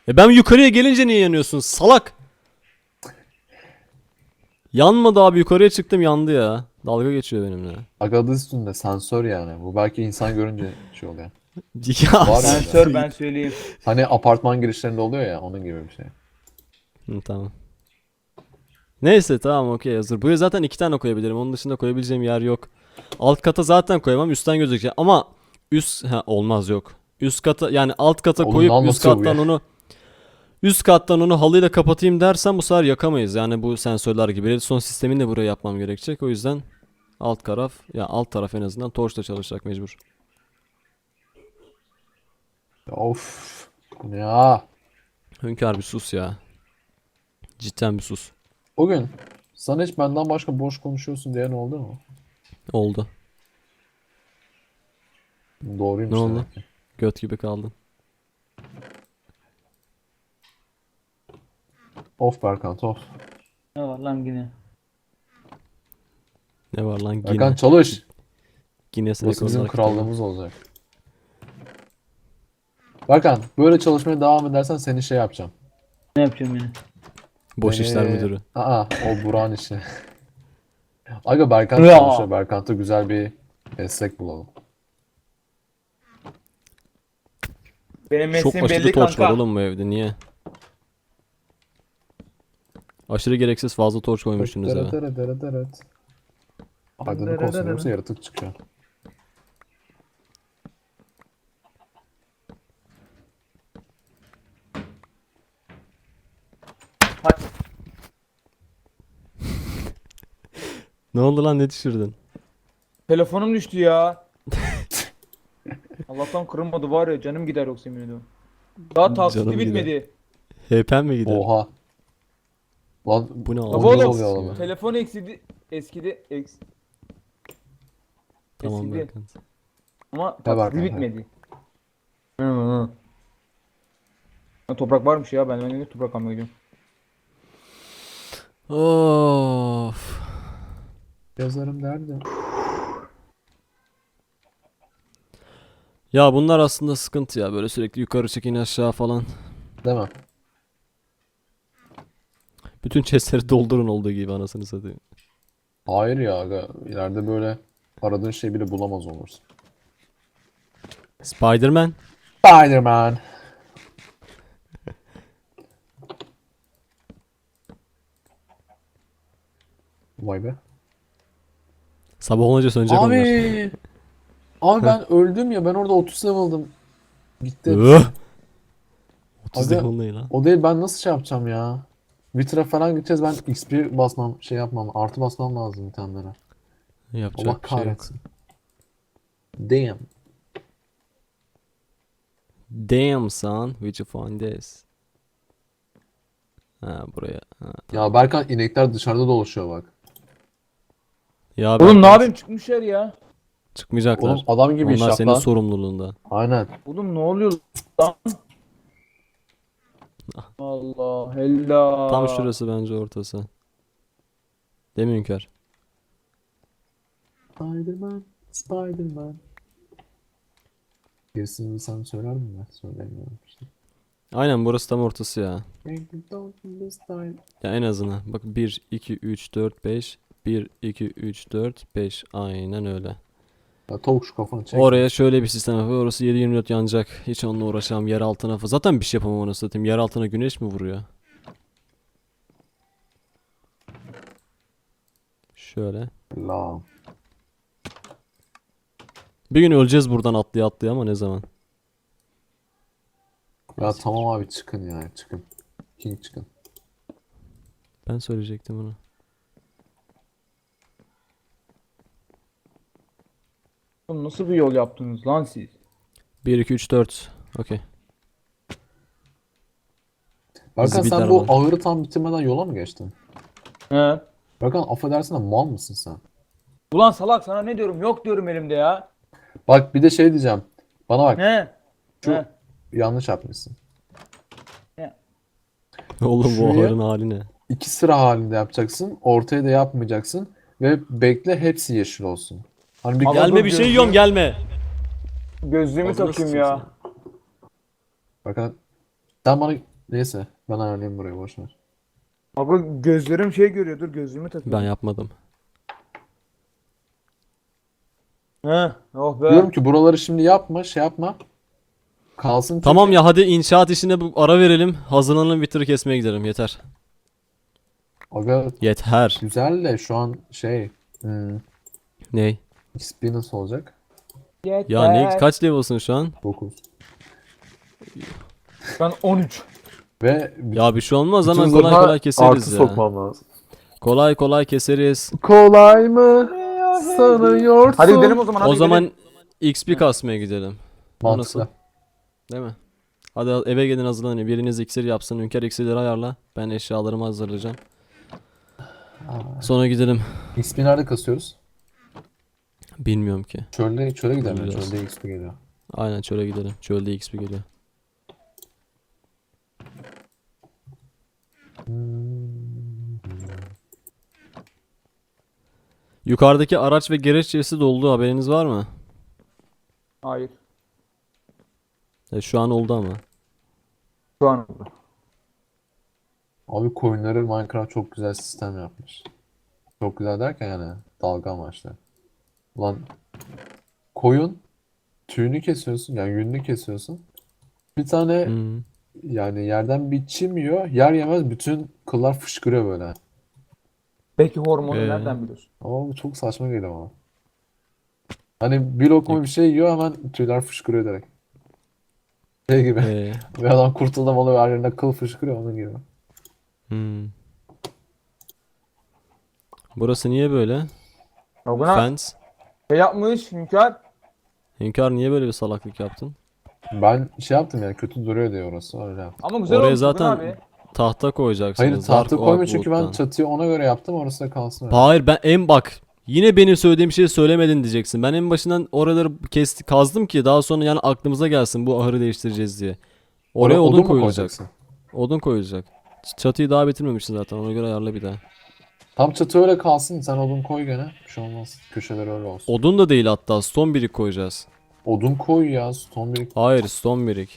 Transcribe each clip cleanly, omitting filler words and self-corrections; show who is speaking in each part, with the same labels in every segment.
Speaker 1: Ben yukarıya gelince niye yanıyorsun salak? Yanmadı abi, yukarıya çıktım yandı ya. Dalga geçiyor benimle.
Speaker 2: Aga adı üstünde sensör yani. Bu belki insan görünce şey oluyor.
Speaker 1: Ya
Speaker 2: Var ya öyle.
Speaker 3: Sensör ben söyleyeyim.
Speaker 2: Hani apartman girişlerinde oluyor ya onun gibi bir şey.
Speaker 1: Hı, tamam. Neyse tamam okey hazır. Buraya zaten 2 tane koyabilirim. Onun dışında koyabileceğim yer yok. Alt kata zaten koyamam. Üstten gözükecek. Ama olmaz yok. Üst kata yani alt kata
Speaker 2: Oğlum ne
Speaker 1: koyup
Speaker 2: anlatıyor bu ya?
Speaker 1: üst kattan onu halıyla kapatayım dersen bu sefer yakamayız. Yani bu sensörler gibi. Redstone sistemini de buraya yapmam gerekecek. O yüzden alt taraf en azından torçla çalışacak mecbur.
Speaker 2: Of. Ya.
Speaker 1: Hünkar bir sus ya. Cidden bir sus.
Speaker 2: O gün sana hiç benden başka boş konuşuyorsun diyen oldu mu?
Speaker 1: Oldu. Ne
Speaker 2: Doğruymuş
Speaker 1: oldu?
Speaker 2: demek ki.
Speaker 1: Göt gibi kaldın.
Speaker 2: Of Berkant of.
Speaker 3: Ne var lan yine?
Speaker 1: Ne var lan
Speaker 2: Berkant
Speaker 1: Gine.
Speaker 2: çalış.
Speaker 1: Guinness
Speaker 2: Burası bizim
Speaker 1: Rekorlar kitabı.
Speaker 2: krallığımız olacak. Berkant böyle çalışmaya devam edersen seni şey yapacağım.
Speaker 3: Ne yapacağım yine?
Speaker 1: Boş işler müdürü.
Speaker 2: O Burak'ın işi. Aga Berkant
Speaker 3: Ya.
Speaker 2: çalışıyor. Berkant'a güzel bir meslek bulalım.
Speaker 3: Benim
Speaker 1: Çok
Speaker 3: mesleğim
Speaker 1: aşırı
Speaker 3: belli
Speaker 1: torç var
Speaker 3: kanka.
Speaker 1: oğlum bu evde, niye? Aşırı gereksiz fazla torç koymuşsunuz eve.
Speaker 2: Aydınlık olsun yoksa yaratık çıkıyor.
Speaker 3: Hadi.
Speaker 1: Ne oldu lan, ne düşürdün?
Speaker 3: Telefonum düştü ya. Allah'tan kırılmadı var ya, canım gider yoksa yemin ediyorum. Daha taksiti
Speaker 1: Canım gider.
Speaker 3: bitmedi.
Speaker 1: HP'n mi gider?
Speaker 2: Oha. Lan
Speaker 1: Bu ne
Speaker 3: Baba
Speaker 2: o ne
Speaker 1: abi?
Speaker 2: oluyor
Speaker 3: oğlum
Speaker 2: lan?
Speaker 3: telefon eskidi
Speaker 1: Tamam
Speaker 3: eskidi
Speaker 1: Berkant.
Speaker 3: ama
Speaker 2: Ne
Speaker 3: taksiti
Speaker 2: Berkant,
Speaker 3: bitmedi. Hı hı. Ha, toprak varmış ya, ben de toprak almaya gidiyorum.
Speaker 1: Of.
Speaker 2: Yazarım derdi.
Speaker 1: Ya bunlar aslında sıkıntı ya, böyle sürekli yukarı çekin aşağı falan.
Speaker 2: Değil mi?
Speaker 1: Bütün chestleri doldurun olduğu gibi anasını satayım.
Speaker 2: Hayır ya aga. İleride böyle aradığın şeyi bile bulamaz olursun.
Speaker 1: Spider-Man.
Speaker 2: Spider-Man. Vay be.
Speaker 1: Sabah olunca sönecek onlar.
Speaker 2: Abi. Abi ben öldüm ya. Ben orada 30 level'dım. Gitti
Speaker 1: Öh!
Speaker 2: hepsi.
Speaker 1: 30
Speaker 2: Aga
Speaker 1: level ne lan?
Speaker 2: o değil, ben nasıl şey yapacağım ya? Vitra falan gideceğiz, ben XP basmam şey yapmam, artı basmam lazım itemlere. Allah
Speaker 1: Yapacak bir şey yok.
Speaker 2: kahretsin. Damn.
Speaker 1: Damn son, where'd you find this? Ha buraya. Ha, tamam.
Speaker 2: Ya Berkan, inekler dışarıda dolaşıyor bak.
Speaker 1: Ya
Speaker 3: Oğlum ne
Speaker 1: Berkant,
Speaker 3: yapayım, çıkmışlar ya.
Speaker 1: çıkmayacaklar.
Speaker 2: Oğlum adam gibi iş
Speaker 1: Onlar
Speaker 2: yap
Speaker 1: senin
Speaker 2: lan.
Speaker 1: sorumluluğunda.
Speaker 2: Aynen.
Speaker 3: Oğlum ne oluyor lan? Allah hella.
Speaker 1: Tam şurası bence ortası. Değil mi Hünkar?
Speaker 2: Spider-Man, Spider-Man. Gerisini sen söyler misin? Ben söylemiyorum işte.
Speaker 1: Aynen burası tam ortası ya. Ya en azından. Bak 1, 2, 3, 4, 5. 1, 2, 3, 4, 5. Aynen öyle.
Speaker 2: Ya tavuk şu kafanı çek.
Speaker 1: Oraya şöyle bir sistem yapıyor. Orası 7/24 yanacak. Hiç onunla uğraşamam. Yer altına falan. Zaten bir şey yapamam onu satayım. Yer altına güneş mi vuruyor? Şöyle.
Speaker 2: La.
Speaker 1: Bir gün öleceğiz buradan atlaya atlaya ama ne zaman?
Speaker 2: Ya tamam abi, çıkın ya, çıkın. King çıkın.
Speaker 1: Ben söyleyecektim bunu.
Speaker 3: Oğlum nasıl bir yol yaptınız lan siz?
Speaker 1: 1, 2, 3, 4. Okey.
Speaker 2: Berkan
Speaker 1: Zibidler
Speaker 2: sen bu
Speaker 1: var.
Speaker 2: ahırı tam bitirmeden yola mı geçtin?
Speaker 3: He.
Speaker 2: Berkan affedersin de mal mısın sen?
Speaker 3: Ulan salak, sana ne diyorum, yok diyorum elimde ya.
Speaker 2: Bak bir de şey diyeceğim. Bana bak,
Speaker 3: He.
Speaker 2: şu
Speaker 3: He.
Speaker 2: yanlış yapmışsın.
Speaker 3: He.
Speaker 1: Oğlum bu
Speaker 2: Şuraya-
Speaker 1: ahırın hali ne?
Speaker 2: 2 sıra halinde yapacaksın. Ortaya da yapmayacaksın. Ve bekle hepsi yeşil olsun. Hani bir
Speaker 3: Ama
Speaker 1: Gelme
Speaker 3: dur,
Speaker 1: bir şey
Speaker 3: gözlüğüm-
Speaker 1: yiyorum, gelme.
Speaker 3: Gözlüğümü
Speaker 1: Ağzına
Speaker 3: takayım
Speaker 1: sıçayım
Speaker 3: ya.
Speaker 2: Bakın sen bana Neyse ben ayarlayayım burayı boş ver.
Speaker 3: Aga gözlerim şey görüyor. Dur gözlüğümü takayım.
Speaker 1: Ben yapmadım.
Speaker 3: He. Oh be.
Speaker 2: Diyorum ki buraları şimdi yapma, şey yapma. Kalsın çünkü.
Speaker 1: Tamam ya, hadi inşaat işine bu ara verelim. Hazırlanalım, Wither'ı kesmeye gidelim. Yeter.
Speaker 2: Aga
Speaker 1: Yeter.
Speaker 2: güzel de şu an şey
Speaker 1: Ney?
Speaker 2: XP nasıl olacak?
Speaker 1: Ya ne, kaç level'sın şu an?
Speaker 2: 9.
Speaker 3: Ben 13.
Speaker 2: Ve
Speaker 1: Ya bir şey olmaz,
Speaker 2: bütün
Speaker 1: hemen kolay
Speaker 2: zırha
Speaker 1: kolay keseriz
Speaker 2: artı
Speaker 1: ya.
Speaker 2: sokmam lazım.
Speaker 1: Kolay kolay keseriz.
Speaker 2: Kolay mı sanıyorsun?
Speaker 3: Hadi gidelim o zaman. Hadi
Speaker 1: O
Speaker 3: gidelim.
Speaker 1: zaman XP kasmaya gidelim. O nasıl?
Speaker 2: Mantıklı.
Speaker 1: Değil mi? Hadi eve gelin, hazırlanın. Biriniz iksir yapsın. Hünkar iksirleri ayarla. Ben eşyalarımı hazırlayacağım. Sonra gidelim.
Speaker 2: XP nerede kasıyoruz?
Speaker 1: Bilmiyorum ki.
Speaker 2: Çöle gidelim. Ya,
Speaker 1: Bilmiyoruz.
Speaker 2: çölde XP geliyor.
Speaker 1: Aynen, çöle gidelim. Çölde XP geliyor. Yukarıdaki araç ve gereç chest'i doldu, haberiniz var mı?
Speaker 3: Hayır.
Speaker 1: Şu an oldu ama.
Speaker 3: Şu an oldu.
Speaker 2: Abi coinleri Minecraft çok güzel sistem yapmış. Çok güzel derken yani dalga amaçlı. Ulan koyun tüyünü kesiyorsun yani yününü kesiyorsun. Bir tane
Speaker 1: Hmm.
Speaker 2: yani yerden bir çim yiyor. Yer yemez bütün kıllar fışkırıyor böyle.
Speaker 3: Peki hormonu
Speaker 1: Ee?
Speaker 3: nereden biliyorsun?
Speaker 2: Ama bu çok saçma geliyor bana. Hani bir lokma bir şey yiyor hemen tüyler fışkırıyor direkt. Şey gibi. Bir adam kurtuldum oluyor her yerinde kıl fışkırıyor onun gibi.
Speaker 1: Hmm. Burası niye böyle?
Speaker 3: Ya buna
Speaker 1: Fence.
Speaker 3: şey yapmış Hünkar.
Speaker 1: Hünkar, niye böyle bir salaklık yaptın?
Speaker 2: Ben şey yaptım yani kötü duruyor diye orası öyle yaptım.
Speaker 3: Ama güzel
Speaker 1: Oraya
Speaker 3: olmuş bugün
Speaker 1: zaten
Speaker 3: abi.
Speaker 1: tahta koyacaksınız.
Speaker 2: Hayır tahta
Speaker 1: Dark
Speaker 2: koyma
Speaker 1: Oak
Speaker 2: çünkü ben
Speaker 1: Wood'dan.
Speaker 2: çatıyı ona göre yaptım orası da kalsın öyle.
Speaker 1: Hayır, bak yine benim söylediğim şeyi söylemedin diyeceksin. Ben en başından oraları kazdım ki daha sonra yani aklımıza gelsin bu ahırı değiştireceğiz diye. Oraya odun
Speaker 2: mu
Speaker 1: koyulacak.
Speaker 2: koyacaksın?
Speaker 1: Odun koyulacak. Çatıyı daha bitirmemişsin zaten, ona göre ayarla bir daha.
Speaker 2: Tam çatı öyle kalsın sen odun koy gene. Bir şey olmaz. Köşeleri öyle olsun.
Speaker 1: Odun da değil, hatta stone brick koyacağız.
Speaker 2: Odun koy ya stone brick.
Speaker 1: Hayır, stone brick.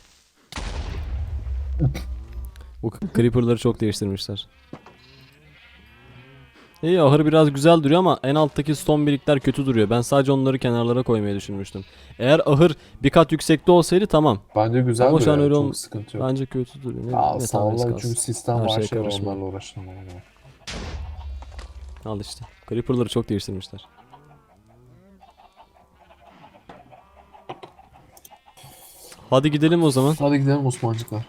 Speaker 1: Bu creeper'ları çok değiştirmişler. İyi, ahır biraz güzel duruyor ama en alttaki stone brickler kötü duruyor. Ben sadece onları kenarlara koymayı düşünmüştüm. Eğer ahır bir kat yüksekte olsaydı tamam.
Speaker 2: Bence güzel
Speaker 1: Ama şu an
Speaker 2: duruyor.
Speaker 1: öyle
Speaker 2: Çok sıkıntı yok.
Speaker 1: Bence kötü duruyor.
Speaker 2: Ya
Speaker 1: Ne tanesi
Speaker 2: sağlar
Speaker 1: kalsın.
Speaker 2: çünkü sistem
Speaker 1: Her
Speaker 2: var
Speaker 1: şeye
Speaker 2: şey var
Speaker 1: karışma.
Speaker 2: onlarla uğraşın.
Speaker 1: Al işte. Creeper'ları çok değiştirmişler. Hadi gidelim o zaman.
Speaker 2: Hadi gidelim Osmancıklar.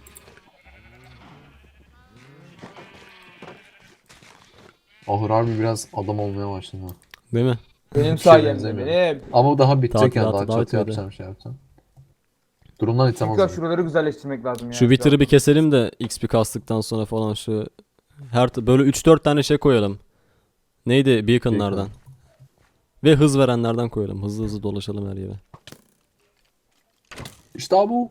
Speaker 2: Ahır harbi biraz adam olmaya başladı. ha.
Speaker 1: Değil mi?
Speaker 3: Benim
Speaker 2: Hiç şey
Speaker 3: sayemde
Speaker 2: benzemiyor.
Speaker 3: benim.
Speaker 2: Ama daha bitecek yani
Speaker 1: Tadilatı
Speaker 2: daha
Speaker 1: daha
Speaker 2: çatı
Speaker 1: bitmedi.
Speaker 2: yapacağım şey yapacağım. Durumdan
Speaker 3: Hünkar
Speaker 2: itemez.
Speaker 3: şuraları güzelleştirmek lazım ya.
Speaker 1: Şu Wither'ı bir keselim de XP kastıktan sonra falan şu böyle 3-4 tane şey koyalım. Neydi? Beacon'lardan. Ve hız verenlerden koyalım. Hızlı hızlı dolaşalım her yere.
Speaker 2: İşte bu.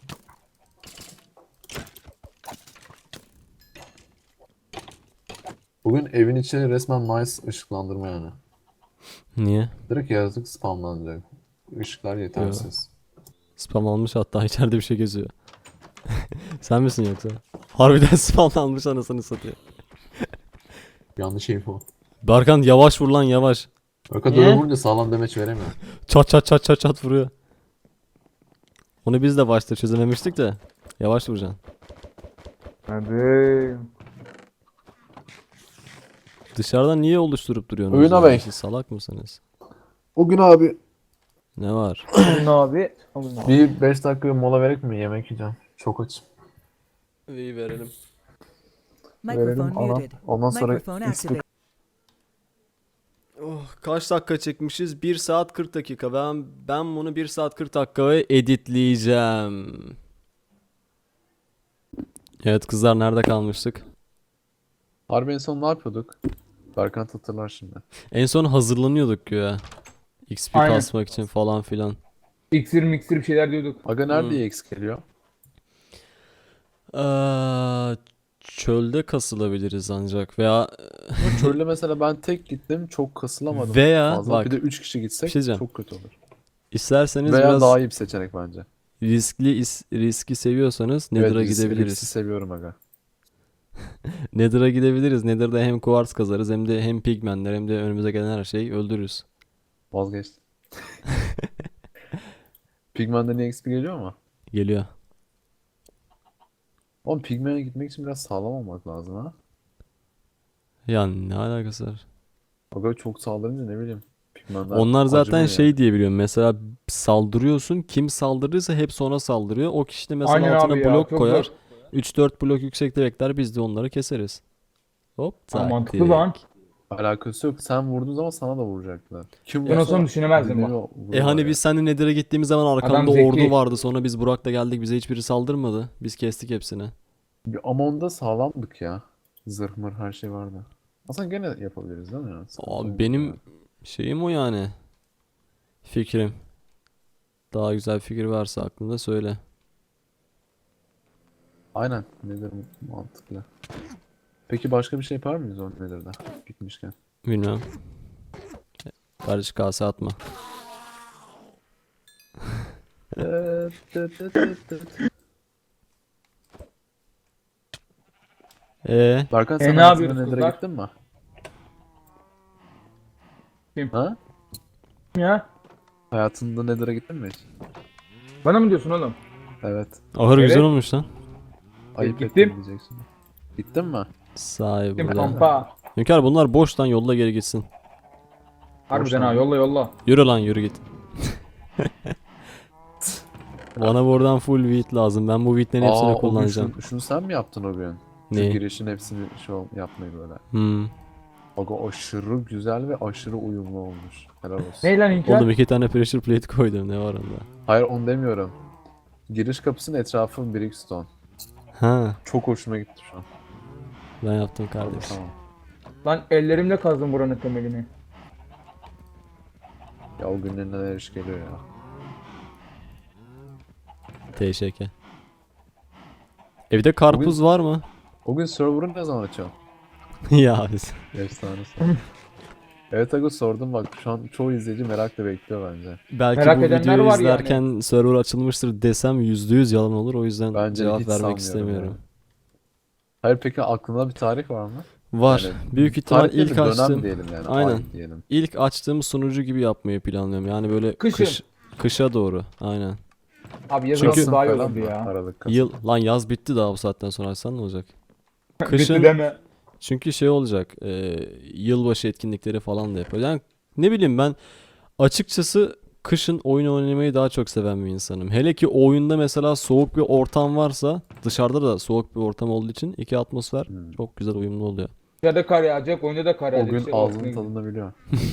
Speaker 2: Bugün evin içi resmen nice ışıklandırma yani.
Speaker 1: Niye?
Speaker 2: Direkt yaratık spamlanacak. Işıklar yetersiz.
Speaker 1: Spam almış, hatta içeride bir şey geziyor. Sen misin yoksa? Harbiden spam almış, anasını satıyor.
Speaker 2: Yanlış info.
Speaker 1: Berkan yavaş vur lan, yavaş.
Speaker 2: O kadar
Speaker 3: Niye?
Speaker 2: vurunca sağlam demeç veremiyor.
Speaker 1: Çat çat çat çat çat vuruyor. Onu biz de başta çözememiştik de. Yavaş vuracaksın.
Speaker 3: Hadi.
Speaker 1: Dışarıdan niye oluşturup duruyorsunuz?
Speaker 2: Oyuna
Speaker 1: ya?
Speaker 2: bey.
Speaker 1: Siz salak mısınız?
Speaker 2: O gün abi
Speaker 1: Ne var?
Speaker 3: Ne abi? Alın abi.
Speaker 2: bir 5 dakika mola verek mi? Yemek yiyeceğim. Çok açım.
Speaker 1: İyi, verelim.
Speaker 2: Verelim
Speaker 4: Microphone
Speaker 2: ana.
Speaker 4: muted.
Speaker 2: Ondan sonra
Speaker 4: Microphone
Speaker 2: XP
Speaker 4: activated.
Speaker 1: Oh, kaç dakika çekmişiz? 1 saat 40 dakika. Ben bunu 1 saat 40 dakikaya editleyeceğim. Evet kızlar, nerede kalmıştık?
Speaker 2: Harbi en son ne yapıyorduk? Berkant hatırlar şimdi.
Speaker 1: En son hazırlanıyorduk ya. XP
Speaker 3: Aynen.
Speaker 1: kasmak için falan filan.
Speaker 3: İksir miksir bir şeyler diyorduk.
Speaker 2: Aga nerede EX geliyor?
Speaker 1: Çölde kasılabiliriz ancak veya
Speaker 2: Ama çölde mesela ben tek gittim çok kasılamadım.
Speaker 1: Veya
Speaker 2: Fazla.
Speaker 1: bak,
Speaker 2: Bir de 3 kişi
Speaker 1: bir
Speaker 2: gitsek
Speaker 1: şey diyeceğim.
Speaker 2: çok kötü olur.
Speaker 1: isterseniz
Speaker 2: Veya
Speaker 1: biraz
Speaker 2: daha iyi bir seçenek bence.
Speaker 1: riski seviyorsanız
Speaker 2: Evet,
Speaker 1: Nether'a
Speaker 2: riski
Speaker 1: gidebiliriz.
Speaker 2: seviyorum aga.
Speaker 1: Nether'a gidebiliriz. Nether'da hem kuvars kazarız hem de hem pigmentler hem de önümüze gelen her şeyi öldürürüz.
Speaker 2: Vazgeçtim. Pigmen'de niye XP geliyor mu?
Speaker 1: Geliyor.
Speaker 2: Oğlum Pigmen'e gitmek için biraz sağlam olmak lazım ha.
Speaker 1: Ya ne alakası var?
Speaker 2: Aga çok saldırınca ne bileyim. Pigmenler
Speaker 1: Onlar zaten
Speaker 2: acımıyor
Speaker 1: şey
Speaker 2: yani.
Speaker 1: diye biliyorum. Mesela saldırıyorsun. Kim saldırırsa hep ona saldırıyor. O kişi de mesela
Speaker 3: Aynen
Speaker 1: altına
Speaker 3: abi ya,
Speaker 1: blok
Speaker 3: çok
Speaker 1: koyar.
Speaker 3: zor.
Speaker 1: 3-4 blok yüksekte bekler. Biz de onları keseriz. Hop
Speaker 3: Ha, mantıklı
Speaker 1: taktik.
Speaker 3: lan.
Speaker 2: Alakası yok. Sen vurduğun zaman sana da vuracaklar. Kim
Speaker 3: Ben olsam
Speaker 2: vursa
Speaker 3: düşünemezdim
Speaker 2: birbirine
Speaker 3: bak.
Speaker 2: vuruyorlar
Speaker 1: Hani
Speaker 2: yani.
Speaker 1: biz seninle Nether'a gittiğimiz zaman
Speaker 3: Adam
Speaker 1: arkanda ordu
Speaker 3: zeki.
Speaker 1: vardı. Sonra biz Burak'la geldik. Bize hiçbiri saldırmadı. Biz kestik hepsini.
Speaker 2: Ama onda sağlamdık ya. Zırh mır her şey vardı. Aslında gene yapabiliriz değil mi ya? Sıkıntı
Speaker 1: Abi
Speaker 2: olmaz
Speaker 1: benim
Speaker 2: yani.
Speaker 1: şeyim o yani. Fikrim. Daha güzel bir fikir varsa aklında söyle.
Speaker 2: Aynen. Nedir mantıklı. Peki başka bir şey yapar mıyız o Nether'da gitmişken?
Speaker 1: Bilmem. Kardeş kase atma.
Speaker 2: Berkan
Speaker 3: E
Speaker 2: sen
Speaker 3: ne
Speaker 2: hayatında
Speaker 3: yapıyoruz
Speaker 2: Nether'a
Speaker 3: kızlar?
Speaker 2: gittin mi?
Speaker 3: Kim?
Speaker 2: Ha?
Speaker 3: Ya.
Speaker 2: Hayatında Nether'a gittin mi hiç?
Speaker 3: Bana mı diyorsun oğlum?
Speaker 2: Evet.
Speaker 1: Ahır güzel
Speaker 3: Evet.
Speaker 1: olmuş lan.
Speaker 2: Ayıp
Speaker 3: gittim.
Speaker 2: ettim diyeceksin. Gittin mi?
Speaker 1: Sahi
Speaker 3: Gittim
Speaker 1: burada.
Speaker 3: kampa.
Speaker 1: Hünkar bunlar boş lan, yolla geri gitsin.
Speaker 3: Harbiden
Speaker 2: Boş
Speaker 3: ha,
Speaker 2: lan.
Speaker 3: yolla yolla.
Speaker 1: Yürü lan yürü git. Bana buradan full wheat lazım. Ben bu wheatlerin hepsini
Speaker 2: Aa, o gün
Speaker 1: kullanacağım.
Speaker 2: şunu sen mi yaptın o gün? Şu
Speaker 1: Ne?
Speaker 2: girişin hepsini yapmayı böyle.
Speaker 1: Hmm.
Speaker 2: Bak o aşırı güzel ve aşırı uyumlu olmuş. Helal olsun.
Speaker 3: Ne lan
Speaker 1: Oğlum
Speaker 3: İlker?
Speaker 1: 2 tane pressure plate koydum, ne var onda?
Speaker 2: Hayır onu demiyorum. Giriş kapısının etrafı brickstone.
Speaker 1: Ha,
Speaker 2: Çok hoşuma gitti şu an.
Speaker 1: ben yaptım kardeş.
Speaker 2: Tamam.
Speaker 3: Lan ellerimle kazdım buranın temelini.
Speaker 2: Ya o günlerin neler iş geliyor ya.
Speaker 1: TŞK. Evde karpuz var mı?
Speaker 2: O gün server'ı ne zaman açıyorsun?
Speaker 1: Ya biz.
Speaker 2: Efsanesi. Evet Agus sordum bak şu an çoğu izleyici merakla bekliyor bence.
Speaker 1: Belki
Speaker 3: Merak
Speaker 1: bu
Speaker 3: edenler
Speaker 1: videoyu
Speaker 3: var yani.
Speaker 1: izlerken server açılmıştır desem %100 yalan olur. O yüzden
Speaker 2: Bence
Speaker 1: cevap
Speaker 2: hiç
Speaker 1: vermek
Speaker 2: sanmıyorum
Speaker 1: istemiyorum.
Speaker 2: yani. Hayır peki aklında bir tarih var mı?
Speaker 1: Var.
Speaker 2: Yani
Speaker 1: Büyük ihtimal
Speaker 2: tarih değil
Speaker 1: ilk
Speaker 2: de dönem
Speaker 1: açtığım,
Speaker 2: diyelim yani.
Speaker 1: aynen.
Speaker 2: Ay diyelim.
Speaker 1: İlk açtığım sunucu gibi yapmayı planlıyorum. Yani böyle
Speaker 3: Kışın.
Speaker 1: kışa doğru. Aynen.
Speaker 3: Abi yazın
Speaker 1: Çünkü-
Speaker 3: olsa daha iyi
Speaker 2: falan
Speaker 3: olurdu
Speaker 2: mı?
Speaker 3: ya.
Speaker 2: Aralık, Kasım.
Speaker 1: Lan yaz bitti daha, bu saatten sonra açsan ne olacak?
Speaker 3: Bitti
Speaker 1: Kışın
Speaker 3: deme.
Speaker 1: çünkü şey olacak. Yılbaşı etkinlikleri falan da yapıyor. Yani ne bileyim, ben açıkçası kışın oyun oynamayı daha çok seven bir insanım. Hele ki o oyunda mesela soğuk bir ortam varsa, dışarıda da soğuk bir ortam olduğu için iki atmosfer
Speaker 2: Hmm.
Speaker 1: çok güzel uyumlu oluyor.
Speaker 3: Dışarıda kar yağacak, oyunda da kar
Speaker 2: O
Speaker 3: yağacak.
Speaker 2: gün
Speaker 3: İşte
Speaker 2: ağzının
Speaker 3: ortasına
Speaker 2: tadını biliyor.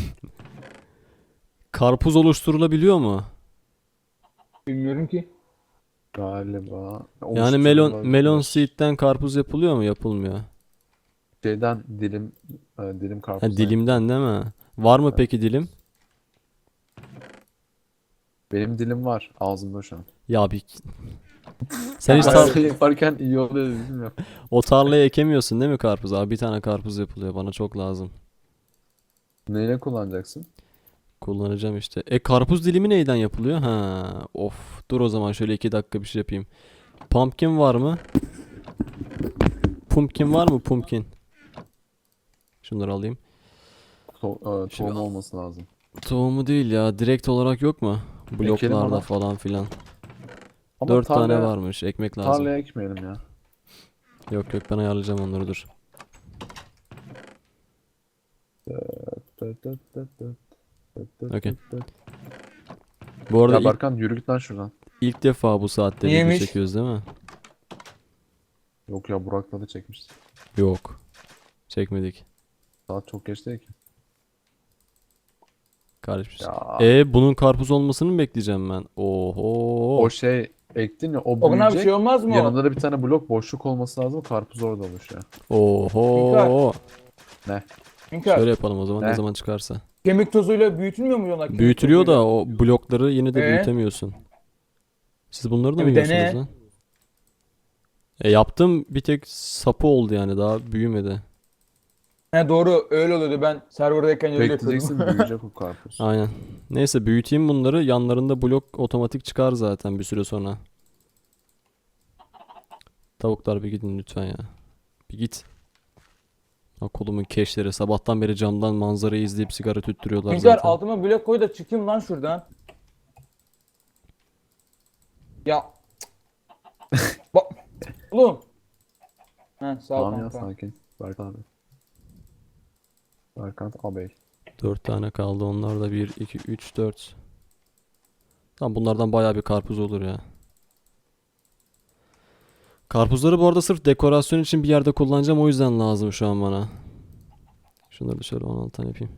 Speaker 1: Karpuz oluşturulabiliyor mu?
Speaker 3: bilmiyorum ki.
Speaker 2: Galiba.
Speaker 1: Yani melon
Speaker 2: Oluşturulabilir.
Speaker 1: seed'den karpuz yapılıyor mu? Yapılmıyor.
Speaker 2: Şeyden dilim
Speaker 1: Ha,
Speaker 2: karpuzdan.
Speaker 1: dilimden değil mi? Var mı
Speaker 2: Evet.
Speaker 1: peki dilim?
Speaker 2: Benim dilim var ağzımda şu an.
Speaker 1: Ya bir sen hiç
Speaker 3: Hayır.
Speaker 2: Şey yaparken iyi oluyor dedim ya.
Speaker 1: o tarlaya ekemiyorsun değil mi karpuz? Abi bir tane karpuz yapılıyor. Bana çok lazım.
Speaker 2: Neyle kullanacaksın?
Speaker 1: Kullanacağım işte. Karpuz dilimi neyden yapılıyor? Ha, of. Dur o zaman şöyle 2 dakika bir şey yapayım. Pumpkin var mı? Pumpkin var mı? Pumpkin. Şunları alayım.
Speaker 2: Tohum
Speaker 1: Şimdi-
Speaker 2: olması lazım.
Speaker 1: Tohumu değil ya. Direkt olarak yok mu? Bloklarda
Speaker 2: ona.
Speaker 1: falan filan.
Speaker 2: Ama
Speaker 1: 4 tane
Speaker 2: tarlaya,
Speaker 1: varmış. Ekmek lazım.
Speaker 2: tarlaya ekmeyelim ya.
Speaker 1: Yok yok, ben ayarlayacağım onları, dur. Okey. Bu arada
Speaker 2: Ya Berkan yürü git lan şuradan.
Speaker 1: ilk defa bu saatte video
Speaker 3: Niyeymiş?
Speaker 1: çekiyoruz değil mi?
Speaker 2: Yok ya Burak'la da çekmiştik.
Speaker 1: Yok. Çekmedik.
Speaker 2: Saat çok geç değil ki.
Speaker 1: Karışmış.
Speaker 2: Ya
Speaker 1: Bunun karpuz olmasını mı bekleyeceğim ben? Oho.
Speaker 2: o şey ektin ya o
Speaker 3: Ona bir
Speaker 2: büyüyecek.
Speaker 3: şey olmaz mı?
Speaker 2: Yanında da bir tane blok boşluk olması lazım. Karpuz orada oluşuyor.
Speaker 1: Oho.
Speaker 3: İnkar.
Speaker 1: Şöyle yapalım o zaman, ne
Speaker 2: Ne?
Speaker 1: zaman çıkarsa.
Speaker 3: Kemik tozuyla büyütülmüyor mu yonak?
Speaker 1: Büyütülüyor da o blokları yine de
Speaker 3: Ee?
Speaker 1: büyütemiyorsun. Siz bunları da mı
Speaker 3: Bir
Speaker 1: yiyorsunuz
Speaker 3: dene.
Speaker 1: lan? Yaptım, bir tek sapı oldu yani, daha büyümedi.
Speaker 3: He doğru öyle oluyordu. Ben serverdayken öyle yapıyordum.
Speaker 2: Bekleyeceksin, büyüyecek o karpuz.
Speaker 1: Aynen. Neyse büyüteyim bunları. Yanlarında blok otomatik çıkar zaten bir süre sonra. Tavuklar bir gidin lütfen ya. Bir git. Ha, kolumun keşleri. Sabahtan beri camdan manzarayı izleyip sigara tüttürüyorlar
Speaker 3: Hünkar
Speaker 1: zaten.
Speaker 3: altıma blok koy da çıkayım lan şuradan. Ya. Bak. Oğlum. He sağ ol
Speaker 2: Tamam ya,
Speaker 3: kanka.
Speaker 2: sakin. Berkan abi. Berkant ağabey.
Speaker 1: 4 tane kaldı. Onlar da 1, 2, 3, 4. Tamam bunlardan bayağı bir karpuz olur ya. Karpuzları bu arada sırf dekorasyon için bir yerde kullanacağım. O yüzden lazım şu an bana. Şunları da şöyle 16 tane yapayım.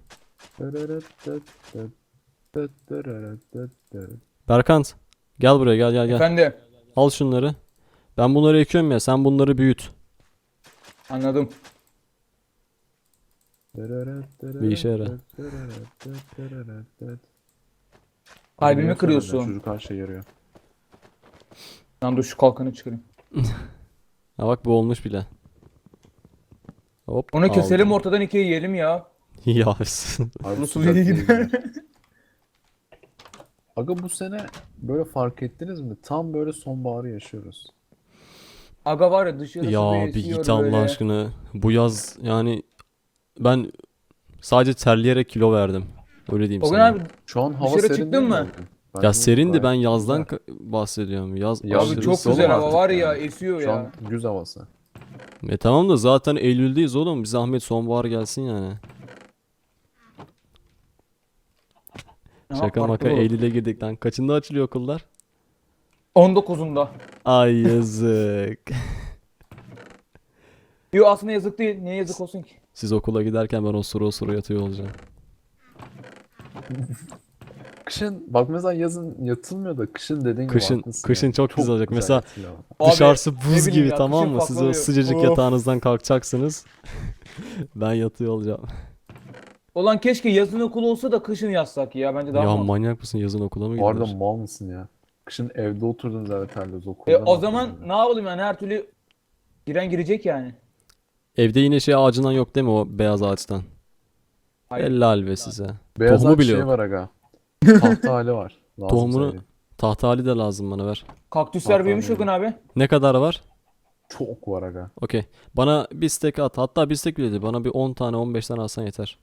Speaker 1: Berkant. Gel buraya gel.
Speaker 3: Efendim.
Speaker 1: Al şunları. Ben bunları ekiyorum ya. Sen bunları büyüt.
Speaker 3: Anladım.
Speaker 1: Bir işe yarar.
Speaker 3: Kalbimi kırıyorsun.
Speaker 2: Çocuk her şey yarıyor.
Speaker 3: Lan dur şu kalkanı çıkarayım.
Speaker 1: Ha bak bu olmuş bile. Hop.
Speaker 3: Onu keselim
Speaker 1: aldım.
Speaker 3: ortadan ikiye yiyelim ya.
Speaker 1: Ya.
Speaker 2: Abi
Speaker 3: Nasıl
Speaker 2: sıcak
Speaker 3: iyi
Speaker 2: değil
Speaker 3: gidiyor?
Speaker 2: mi? Aga bu sene böyle fark ettiniz mi? Tam böyle sonbaharı yaşıyoruz.
Speaker 3: Aga var ya dışarısı
Speaker 1: Ya
Speaker 3: bir
Speaker 1: bir
Speaker 3: esiyor
Speaker 1: git Allah
Speaker 3: böyle.
Speaker 1: aşkına. Bu yaz yani ben sadece terleyerek kilo verdim. Öyle diyeyim
Speaker 3: O gün
Speaker 1: sana.
Speaker 3: abi
Speaker 2: Şu an hava
Speaker 3: Dışarı
Speaker 2: serin
Speaker 3: çıktın
Speaker 2: değil mi
Speaker 3: mı?
Speaker 2: bugün?
Speaker 1: Ya
Speaker 2: Bence
Speaker 1: serindi, ben
Speaker 2: gayet
Speaker 1: yazdan
Speaker 2: güzel.
Speaker 1: bahsediyorum. Yaz
Speaker 2: Ya
Speaker 3: abi
Speaker 1: aşırı
Speaker 3: çok
Speaker 2: sonu
Speaker 3: güzel hava
Speaker 2: artık
Speaker 3: var ya
Speaker 2: yani.
Speaker 3: esiyor
Speaker 2: Şu
Speaker 3: ya.
Speaker 2: an güz havası.
Speaker 1: Tamam da zaten Eylül'deyiz oğlum. Bir zahmet sonbahar gelsin yani.
Speaker 3: Aha,
Speaker 1: Şaka
Speaker 3: farklı
Speaker 1: maka
Speaker 3: bu.
Speaker 1: Eylül'e girdik lan. Kaçında açılıyor okullar?
Speaker 3: 19'unda.
Speaker 1: Ay yazık.
Speaker 3: Yo aslında yazık değil. Niye yazık olsun ki?
Speaker 1: Siz okula giderken ben osuru yatıyor olacağım.
Speaker 2: Kışın bak mesela yazın yatılmıyor da kışın dediğin gibi
Speaker 1: Kışın-
Speaker 2: haklısın
Speaker 1: kışın
Speaker 2: ya.
Speaker 1: çok güzel olacak. Mesela
Speaker 2: yatılıyor.
Speaker 3: Abi,
Speaker 1: Dışarısı
Speaker 3: ne
Speaker 1: buz
Speaker 3: bileyim
Speaker 1: gibi,
Speaker 3: ya,
Speaker 1: tamam
Speaker 3: kışın
Speaker 1: mı? Siz o
Speaker 3: farklı
Speaker 1: sıcacık
Speaker 3: oluyor. Of.
Speaker 1: yatağınızdan kalkacaksınız. Ben yatıyor olacağım.
Speaker 3: Ulan keşke yazın okul olsa da kışın yazsak ya. Bence daha
Speaker 1: Ya
Speaker 3: mantıklı.
Speaker 1: manyak mısın? Yazın okula mı
Speaker 2: Bu arada
Speaker 1: gidilir?
Speaker 2: mal mısın ya? Kışın evde oturdunuz, evet terliyoruz okulda.
Speaker 3: O
Speaker 2: ne
Speaker 3: zaman
Speaker 2: yapıyorsun
Speaker 3: ne yapalım yani her türlü giren girecek yani.
Speaker 1: Evde yine şey ağacından yok değil mi, o beyaz ağaçtan?
Speaker 3: Hayır.
Speaker 1: Helal be size.
Speaker 2: yani? Beyaz
Speaker 1: Tohumu
Speaker 2: ağaç
Speaker 1: bile
Speaker 2: şey
Speaker 1: yok.
Speaker 2: var aga. Tahta hali var. Lazım
Speaker 1: Tohumunu
Speaker 2: söyleyeyim.
Speaker 1: tahta hali de lazım bana, ver.
Speaker 3: Kaktüsler
Speaker 2: Hatta
Speaker 3: büyümüş
Speaker 2: benim.
Speaker 3: Ogun abi.
Speaker 1: Ne kadar var?
Speaker 2: Çok var aga.
Speaker 1: Okey. Bana bir stek at. Hatta bir stek bile değil. Bana bir 10 tane 15 tane alsan yeter.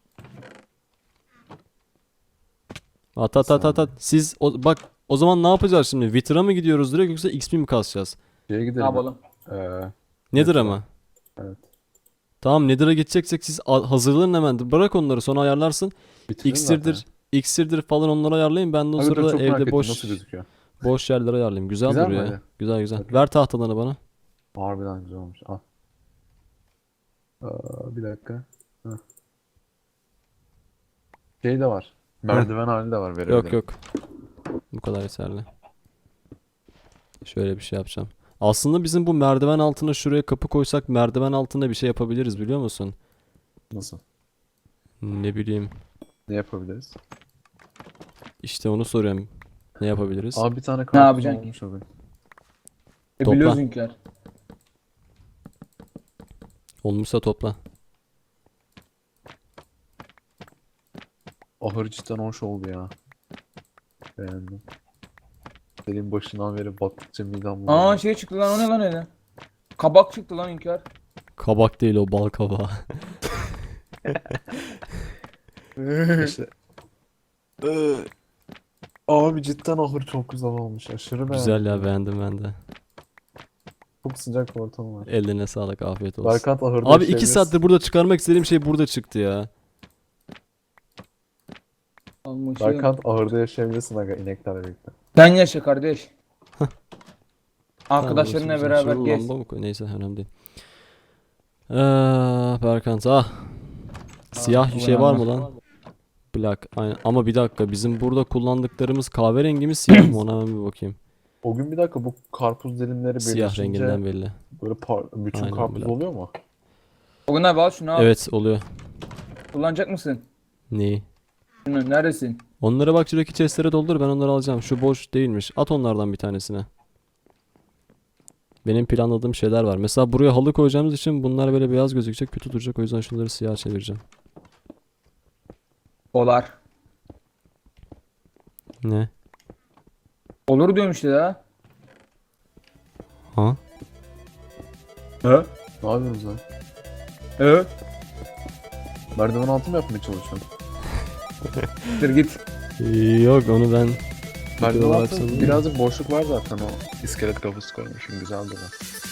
Speaker 1: At. Siz bak o zaman ne yapacağız şimdi? Wither'a mı gidiyoruz direkt yoksa XP mi kasacağız?
Speaker 2: Şeye
Speaker 3: Ne
Speaker 2: gidelim.
Speaker 3: yapalım?
Speaker 2: Ee,
Speaker 1: Nether'a mı?
Speaker 2: evet.
Speaker 1: Tamam, Nether'a gideceksek siz hazırlanın hemen. Bırak onları, sonra ayarlarsın.
Speaker 2: Bitirdin zaten.
Speaker 1: İksirdir falan, onları ayarlayın. Ben de o
Speaker 2: Aga dur,
Speaker 1: sırada
Speaker 2: çok merak
Speaker 1: evde
Speaker 2: ettim nasıl
Speaker 1: boş
Speaker 2: gözüküyor.
Speaker 1: yerler ayarlayayım. Güzel
Speaker 2: Güzel mi
Speaker 1: duruyor ya.
Speaker 2: öyle?
Speaker 1: Güzel.
Speaker 2: Okey.
Speaker 1: Ver tahtalarını bana.
Speaker 2: Harbiden güzel olmuş. Al. Bir dakika. Heh. Şey de var. Merdiven hali de var, verebilirim.
Speaker 1: Yok. Bu kadar yeterli. Şöyle bir şey yapacağım. Aslında bizim bu merdiven altına şuraya kapı koysak merdiven altında bir şey yapabiliriz, biliyor musun?
Speaker 2: Nasıl?
Speaker 1: Ne bileyim.
Speaker 2: Ne yapabiliriz?
Speaker 1: İşte onu soruyorum. Ne yapabiliriz?
Speaker 2: Abi bir tane
Speaker 3: Ne
Speaker 2: karpuz
Speaker 3: yapacaksın ki?
Speaker 2: olmuş o gün.
Speaker 1: Topla.
Speaker 3: Biliyoruz Hünkar.
Speaker 1: Olmuşsa topla.
Speaker 2: Ahır cidden hoş oldu ya. Beğendim. Senin başından beri baktıkça midem
Speaker 3: Aa
Speaker 2: bulanıyor.
Speaker 3: şey çıktı lan, o ne lan öyle? Kabak çıktı lan Hünkar.
Speaker 1: Kabak değil o, bal kabağı.
Speaker 2: İşte. Abi cidden ahır çok güzel olmuş. Aşırı beğendim.
Speaker 1: Güzel ya, beğendim ben de.
Speaker 2: Çok sıcak bir ortam var.
Speaker 1: Ellerine sağlık, afiyet olsun.
Speaker 2: Berkant ahırda
Speaker 1: Abi 2
Speaker 2: yaşayabilirsin.
Speaker 1: saattir burada çıkarmak istediğim şey burada çıktı ya.
Speaker 3: Almışım.
Speaker 2: Berkant ahırda yaşayabilirsin aga, ineklerle birlikte.
Speaker 3: Sen yaşa kardeş.
Speaker 1: Tamam,
Speaker 3: Arkadaşlarınla
Speaker 1: burası güzel.
Speaker 3: beraber
Speaker 1: Şurada
Speaker 3: gez.
Speaker 1: lamba mı koy? Neyse, önemli değil. Berkant Siyah bir şey var mı lan? Black. Aynen. Ama bir dakika, bizim burada kullandıklarımız kahverengi mi siyah mı, ona hemen bir bakayım.
Speaker 2: O gün bir dakika, bu karpuz dilimleri
Speaker 1: Siyah
Speaker 2: birleşince
Speaker 1: renginden belli.
Speaker 2: böyle bütün
Speaker 1: Aynen,
Speaker 2: karpuz
Speaker 1: black.
Speaker 2: oluyor mu?
Speaker 3: Ogun abi al şunu al.
Speaker 1: Evet, oluyor.
Speaker 3: Kullanacak mısın?
Speaker 1: Neyi?
Speaker 3: Şunu neredesin?
Speaker 1: Onlara bak, şuradaki chestlere doldur, ben onları alacağım. Şu boş değilmiş. At onlardan bir tanesine. Benim planladığım şeyler var. Mesela buraya halı koyacağımız için bunlar böyle beyaz gözükecek, kötü duracak. O yüzden şunları siyah çevireceğim.
Speaker 3: Olar.
Speaker 1: Ne?
Speaker 3: Olur diyorum işte ya.
Speaker 1: Ha?
Speaker 3: He?
Speaker 2: Ne yapıyorsunuz lan?
Speaker 3: Evet.
Speaker 2: Merdiven altı mı yapmaya çalışıyorsun?
Speaker 3: Dur git.
Speaker 1: Yok onu ben
Speaker 2: Merdiven
Speaker 1: olarak
Speaker 2: altı
Speaker 1: sanırım.
Speaker 2: birazcık boşluk var zaten o. İskelet kafası koymuşum güzel duruyor.